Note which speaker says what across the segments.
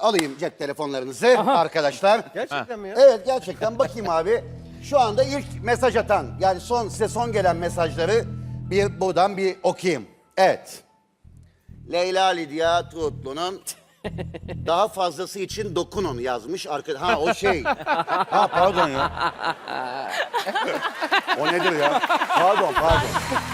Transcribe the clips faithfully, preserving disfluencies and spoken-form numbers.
Speaker 1: Alayım cep telefonlarınızı arkadaşlar.
Speaker 2: Gerçekten mi ya?
Speaker 1: Evet gerçekten bakayım abi. Şu anda ilk mesaj atan yani son size son gelen mesajları bir buradan bir okuyayım. Evet. Leyla Lidya Tuğutlu'nun daha fazlası için dokunun yazmış. Arka... Ha o şey. Ha pardon ya. O nedir ya? Pardon pardon.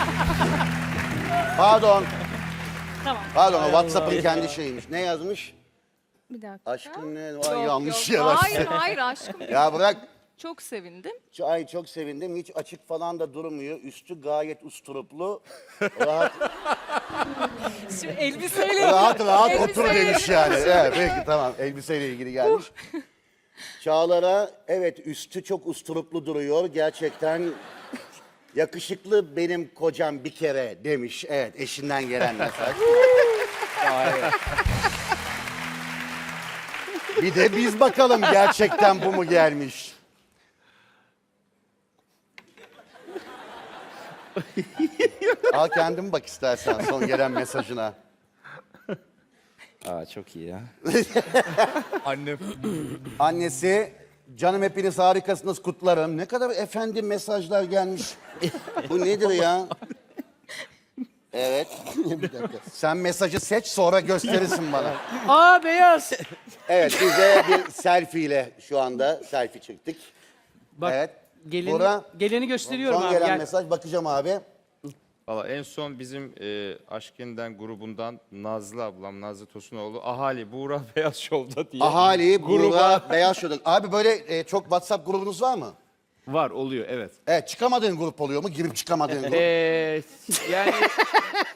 Speaker 1: Pardon.
Speaker 3: Tamam.
Speaker 1: Pardon o WhatsApp'ın kendi şeyiymiş. Ne yazmış?
Speaker 3: Bir dakika.
Speaker 1: Aşkım ne? Vay
Speaker 3: Yok,
Speaker 1: yanlış
Speaker 3: yok.
Speaker 1: ya.
Speaker 3: Hayır hayır aşkım.
Speaker 1: Ya bırak.
Speaker 3: Çok sevindim.
Speaker 1: Ay çok sevindim. Hiç açık falan da durmuyor. Üstü gayet usturuplu. Rahat
Speaker 3: Şimdi elbiseyle
Speaker 1: rahat, rahat
Speaker 3: elbiseyle
Speaker 1: otur demiş yani. Evet peki tamam. Elbiseyle ilgili gelmiş. Çağlar'a evet üstü çok usturuplu duruyor. Gerçekten yakışıklı benim kocam bir kere demiş. Evet eşinden gelen mesaj. Bir de biz bakalım gerçekten bu mu gelmiş? Al kendin bak istersen son gelen mesajına.
Speaker 4: Aa çok iyi ya.
Speaker 2: Annem.
Speaker 1: Annesi, canım hepiniz harikasınız kutlarım. Ne kadar efendi mesajlar gelmiş. Bu nedir ya? Evet. Bir dakika. Sen mesajı seç sonra gösterirsin bana.
Speaker 5: Aa beyaz.
Speaker 1: Evet bize bir selfie ile şu anda selfie çektik.
Speaker 5: Bak
Speaker 1: Evet.
Speaker 5: geleni,
Speaker 1: Bora,
Speaker 5: geleni gösteriyorum
Speaker 1: son
Speaker 5: abi.
Speaker 1: gelen
Speaker 5: Gel.
Speaker 1: mesaj bakacağım abi.
Speaker 4: Valla en son bizim e, Aşkından grubundan Nazlı ablam, Nazlı Tosunoğlu, ahali Buğra Beyaz Şov'da diye.
Speaker 1: Ahali,
Speaker 4: gruba
Speaker 1: Buğra, Beyaz Şov'da. Abi böyle e, çok WhatsApp grubunuz var mı?
Speaker 4: var oluyor evet.
Speaker 1: Evet çıkamadığın grup oluyor mu? Girip çıkamadığın grup.
Speaker 4: Ee, yani